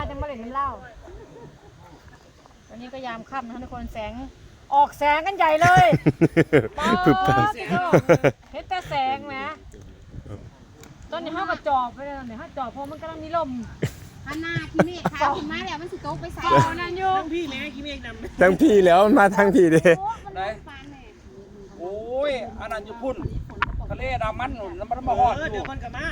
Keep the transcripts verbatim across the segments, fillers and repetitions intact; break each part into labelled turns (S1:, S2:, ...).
S1: จะมาเล่นน้ำเหล้าตอนนี้ก็ยามค่ำนะทุกคนแสงออกแสงกันใหญ่เลยป๊าบเห็นแต่แสงนะตอนนี้ห้ากระจอบไปเลยตอนนี้ห้าจอบเพราะมันกำลังมีลม
S2: อันหน้าขี้เมฆค่ะขึ้นมาแล้วมันสิโต๊ะไปใส่
S1: นั่นอยู่
S3: ทั้งพี่แม่ขี้เมฆนำ
S4: ทั้งพี่แล้วมาทั้งพี่ดิ
S5: โอ้ยอันนั้นอยู่พุ่นทะเลดามันหนุนแล้วมันมาฮอด
S3: เดี๋ยวคนกลับมา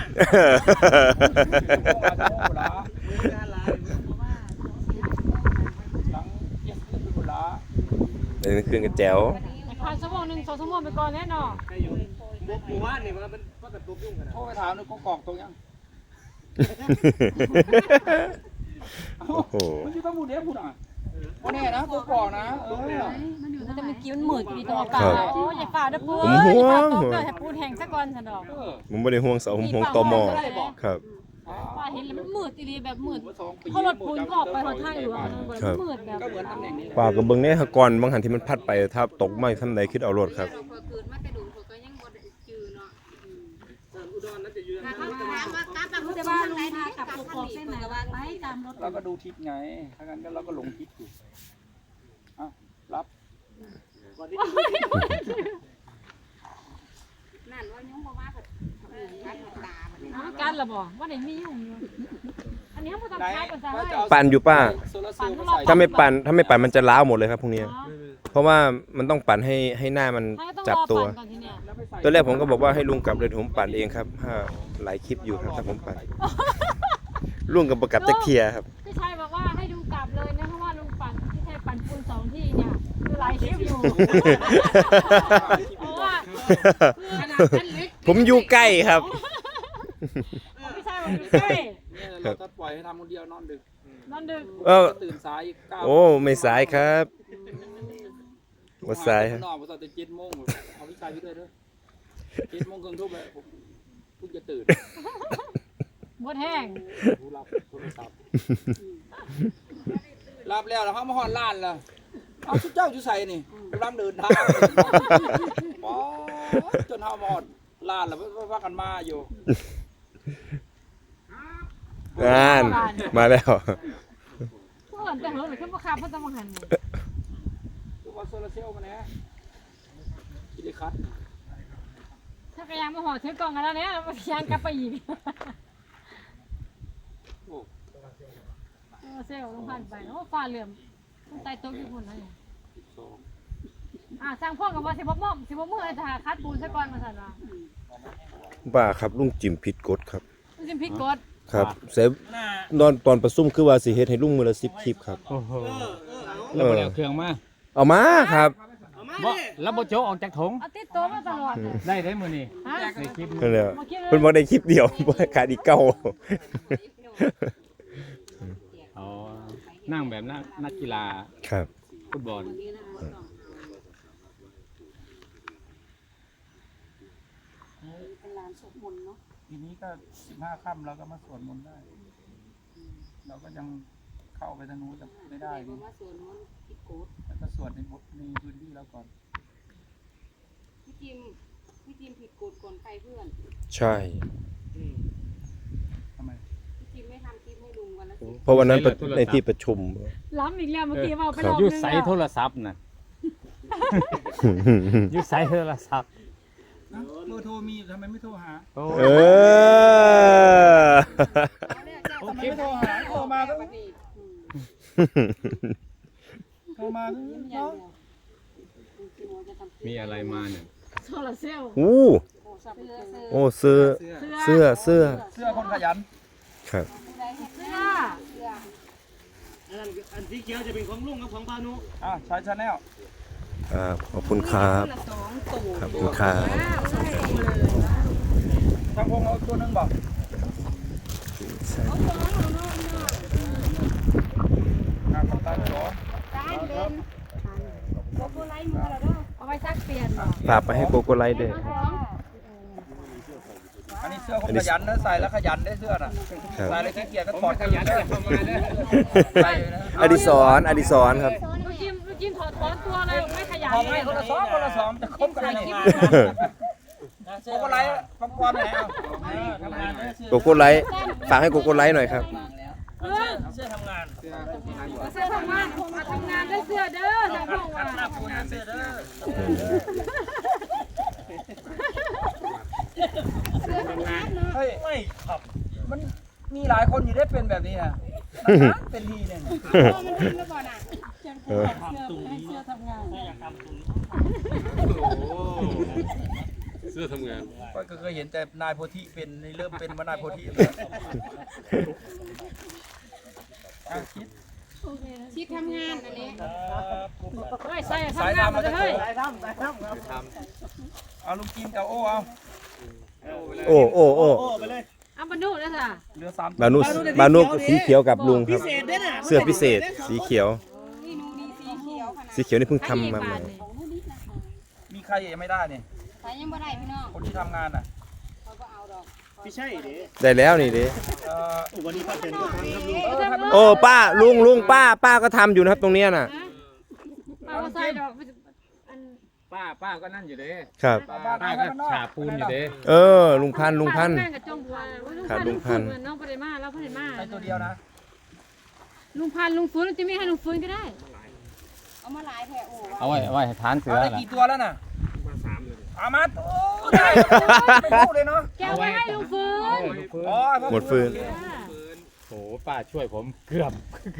S4: เดินคืนกันแจ๋ว
S1: ผ่านชั่วโมงหนึ่งสองชั่วโมงไปก่อนแน่นอน
S3: หมู่บ้านนี่มันก็แบบตุ๊บยุ่งกันนะ
S5: โทรไปถามนึกก็กอกตรงยัง
S4: โอ้โห
S5: มันอยู่ต้องพูดเด้พูดอ่ะวันนี้นะกูกอกนะเออ
S1: มันจะมีกิ้วมันหมืดมีตัวอากาศโอ้ยอย่าฝ่าเด้อปูอย่าฝ่าตกเกิดให้ปูแห้งซะก่อนฉันดอก
S4: ผมไม่ได้ห่วงเสาผมห่วงตมครับ
S1: ว่าเห็นแล้วมันมืดดีแบบมืดเขารถปูนก็ออกไปหนทางอยู่อ่ะมันมืดแบบ
S4: ป่ากับเบิ้งเนี่ยก่อนบางหันที่มันพัดไปถ้าตกไม่ทำใดคิดเอารถครับ
S1: จะว่าลงทางกับปกครองเส้นไหนไปตามรถ
S5: เราก็ดูทิศไงถ้างั้นก็เราก็หลงทิศอยู่อ่ะรับ
S2: นั่นว่ายุ่งบ่มาเพิ่นการตาบัดนี้
S1: การละบ่ว่าไหนมียุ่งอยู่อันนี้เขาบ่ต้องใช้ภาษาให้
S4: ปั่นอยู่ป้าถ้าไม่ปั่นถ้าไม่ปั่นมันจะล้าวหมดเลยครับพวกนี้เพราะว่ามันต้องปั่นให้ให้หน้ามันจับตัวตัวแรกผมก็บอกว่าให้ลุงกลับเลยผมปั่นเองครับถ้าหลายคลิปอยู่ครับถ้าผมปั่นลุงกับประกับตะเคียครับ
S1: พี่ชายบอกว่าให้ลุงกลับเลยนะเพราะว่าลุงปั่นพี่ชายปั่นปูนสองที่เนี่ยคือหลายคลิปอยู่เพราะว่า
S4: ผมอยู่ใกล้ครับ
S1: พี่ชายบอกอยู่ใกล้
S5: เราถ้าปล่อยให้ทำคนเดียวนอนดึก
S1: นอนดึก
S4: เออ
S5: ตื่นสายเก้า
S4: โอ้ไม่สายครับว่าสาย
S5: นอนพอตอนเจ็ดโมงเอาพี่ชายพี่ด้วยเด้อเจ็ดโมงครึ่งทุ่มเลยผมเพิ่งจะตื่น
S1: หมดแห้ง
S5: รับโทรศัพท์รับแล้วแล้วเขามาหอนล้านแล้วเอาชุดเจ้าชุดใส่นี่กำลังเดินทางป๊อจนเขาหมดล้านแล้วว่ากันมาอยู่
S4: งานมาแล้ว
S1: เพื่อนแต่เหินหรือขึ้นมาขับเพื่อนต้องมาหัน
S5: ตัวโซลาเซลล์มาเนี่ยกิเลคัส
S1: ถ้ากระยังมาห่อถือกล่องกันแล้วเนี่ยเราพยายามกลับไปอีกโซลาเซลล์ลงผ่านไปโอ้ฟ้าเหลื่อมต้องไต่โต๊ะญี่ปุ่นนะเนี่ยอ่าสร้างพ่อกับว่าสิบหกโมงสิบหกโมงไอ้ทหารคัดปูนซะก่อนมาสั่นว่า
S4: บ้าครับลุงจิมผิดกฎครับ
S1: ลุงจิมผิดกฎ
S4: ครับเซฟนอนตอนประซุ่มคือว่าสิเฮ็ดให้ลุงมือละสิบคลิปครับ
S3: โอ้โหแล้วบ่ได้เครื่องมา
S4: เอามาครับ
S3: บ่แล้วบ่โจออกจากถุง
S1: เอาติดตัวมาตลอด
S3: ได้ได้มื้อนี้ได้คลิป
S4: เพิ่นเพิ่นบ่ได้คลิปเดียวบ่ขาดอีกเก่า
S3: อ๋อนั่งแบบนักกีฬา
S4: ครับ
S3: ฟุตบอล
S5: ทีนี้ก็สิบห้าค่ำเราก็มาสวดมนต์ได้เราก็ยังเข้าไปทางนู้นจะไม่ได้ดิแล้วก็สวดในบทในพื้นที่แล้วก่อน
S2: พี่จิมพี่จิมผิดกฎก่อนใครเพื่อน
S4: ใช่
S5: ทำไม
S2: พี่จิมไม่ทำคลิปให้ลุงวันละ
S4: เพราะวันนั้นในที่ประชุม
S1: ล้ำอีกแล้วเมื่อกี้ว่าไปลอง
S3: อยู่ใส่โทรศัพท์น่ะอยู่ใส่โทรศัพท์
S5: เบอร์โทรมีทำไมไม่โทรหา
S4: เออ
S5: ทำไมไม่โทรหาโทรมาก็โทรมาเนาะ
S3: มีอะไรมาเนี่ย
S1: โซลาเซลล์
S4: โอ้โอ้เสื้อเสื้อเสื้อ
S5: เสื้อคนขยัน
S4: ครับ
S1: เสื้อ
S3: อันที่เขียวจะเป็นของลุงกับของพานุ
S5: อ่าใช้ชาแนล
S4: ครับขอบคุณครับขอบคุณครับ
S5: ทางพงเอาตัวนึงบอกงานตัดต่อ
S1: เอาไปซักเปลี่ยน
S4: ฝากไปให้โกโก้ไลท์ด้วย
S5: อันนี้เสื้อคนขยันนะใส่แล้วขยันได้เสื้อน่ะใส่แล้วขี้เกียจก็ถอดขยันเข้ามา
S4: อดิศรอดิศรครับ
S1: ลูกจิ้มลูกจิ้มถอดถอนตัวเลยไม่ขยัน
S5: ไม่คนละสองคนละสองจะคบกันเลยโกโก้ไลท์ฟังความไหนเอา
S4: โกโก้ไลท์ฝากให้โกโก้ไลท์หน่อยครับ
S1: เออ
S5: เสื้อทำงาน
S2: เสื้อทำงานมาทำงานได้เสื้อเด้อทางพวกว่า
S5: หน้าปูนเสื้อเด้อ เฮ้ยไม่ครับมันมีหลายคนอยู่ได้เป็นแบบนี้นะนานๆเป็นทีเนี่ย
S2: พ่อมันทำแล้วก่อนอ่ะ
S4: เออ
S2: ให้เสื้อทำงาน
S6: เสื้อทำงาน
S5: ก็เคยเห็นแต่นายโพธิเป็นนี่เริ่มเป็นมานายโพธิอ่ะคิด
S2: ชิดทำงานอันนี้
S1: เฮ้ยใส่ทำงานมาเลยเฮ้ย
S5: เอาลุงกินกับโอ้เอา
S4: โอ้โอ้โอ้
S1: เอามาดูนะสิ
S5: เหลือสาม
S4: บานุสบานุสีเขียวกับลุงครับ เสื้อพิเศษสีเขียว
S2: นี่หนูดีสีเขียวขนาด
S4: สีเขียวนี่เพิ่งทำมาใหม่
S5: มีใครยังไม่ได้เนี่ย
S2: ใส่ยังไม่ได้พี่น้อง
S5: คนที่ทำงานอ่ะ
S2: เขาก็เอาดอก
S4: ได้แล้วนี่ดิ
S5: เอ่อ
S2: เออทำ
S4: โอ้ป้าลุงลุงป้าป้าก็ทำอยู่นะครับตรงเนี้ยน่ะ
S1: เอามาใส่ดอกอัน
S3: ป้าป้าก็นั่นอยู่เด้
S4: ครับ
S3: ป้าก็ฉาบปูนอยู่เด้
S4: เออลุงพันธุ์ลุงพันธุ์
S1: แม่กับจงบัว
S4: ครับลุงพันธุ์
S1: น้องปริมาแล้วปริมา
S5: ใช้ตัวเดียวนะ
S1: ลุงพันธุ์ลุงฟื้นจะไม่ให้ลุงฟื้นก็ได้
S2: เอามาหลายแผ่โอ้
S3: เอาไว้เอาไว้ให้ทานเสือ
S5: เอาได้
S3: ล่ะ
S5: กี่ตัวแล้วน่ะเอามาโอ้ได้ไม่รู้เลยเนาะ
S1: แกไว้ให้ลุงฟื้น
S5: อ๋อ
S4: หมดฟืน
S3: โอ้ป้าช่วยผมเกือบ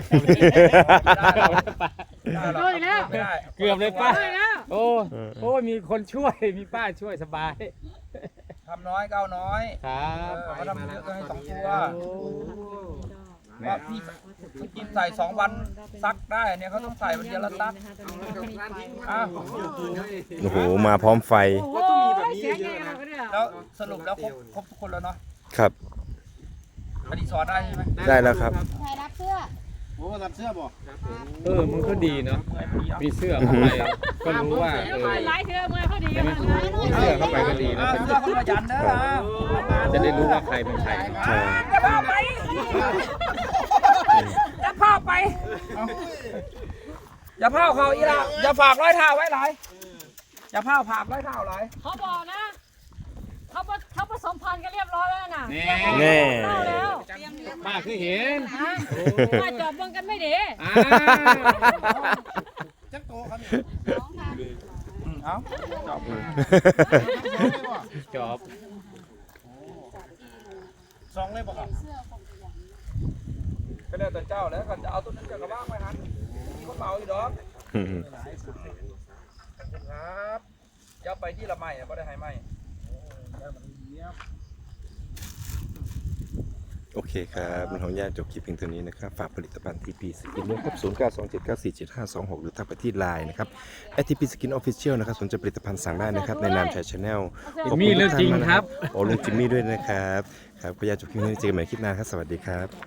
S5: ได้หรอก
S1: โดนอีกแล้ว
S5: ไม่ได้
S3: เกือบเลยป้า
S1: โดนอีกแล้ว
S3: โอ้โอ้มีคนช่วยมีป้าช่วยสบาย
S5: ทำน้อยก็เอาน้อย
S3: ครั
S5: เอบ อเขาทำเยอะก็ให้สองตัว
S3: แม่
S5: ว่าพี่พี่กินใส่สองวันซักได้เนี่ยเขาต้องใส่วันเดียวแล้วซักอ้าว
S4: โอ้โหมาพร้อมไฟ
S1: โอ้โหเสียงใหญ่เราก็เนี่ย
S5: แล้วสรุปแล้วครบครบทุกคนแล้วเนาะ
S4: ครับ
S5: อดีสอนได้ใช่ไหม
S4: ได้แล้วครับ
S2: ใครรับเสื้อ
S3: เออมันก็ดีเนาะ
S5: เมื่อยพอดีเอา
S3: มีเสื้อเข้าไปก็รู้ว่าเออ
S1: ไล่เธอเมื่อเขาดีกันเลย
S3: มีเสื้อเข้าไปก็ดีนะ
S5: เอาเสื้อคนขยันเด้อนะ
S3: จะได้รู้ว่าใครเป็นใคร
S4: ใช่
S5: อย่าพาไปอย่าพาไปเอาอย่าพาเขาอีละอย่าฝากร้อยเท้าไว้หลายอย่าพาผากร้อยเท้าหลาย
S1: เขาบอกนะเขาเขาผสมพันธุ์กันเรียบร้อยแล้วน่ะ
S3: แน่
S4: แน่
S1: เข้าแล้ว
S3: ป้าคือเห็น
S1: มาจอบเบิ่งกันไม่ดี
S3: อ่า
S2: น้องค่ะ
S5: อืมเอาจบ
S3: จบ
S5: สองเลยบอกครับก็แล้วแต่เจ้าแล้วกันจะเอาตัวนั้นจะกระบ้างไปหันมีคนเบาอยู่ดอกครับจะไปที่ละไม้เนี่ยก็ได้ให้ไม้
S4: โอเคครับลุงของญาติจบคลิปเพียงเท่านี้นะครับ ฝากผลิตภัณฑ์ทีพีสกินด้วยครับศูนย์ เก้า สอง เจ็ด เก้า สี่ เจ็ด ห้า สอง หกหรือทักไปที่ไลน์นะครับแอททีพีสกินออฟฟิเชียลนะครับสนใจผลิตภัณฑ์สั่งได้นะครับในนามชายชาแนล
S3: มีเรื่องจริงครับ
S4: โอ้ลุงจิมมี่ด้วยนะครับครับขออนุญาตจบคลิปนี้เจอกันใหม่คลิปหน้าครับสวัสดีครับ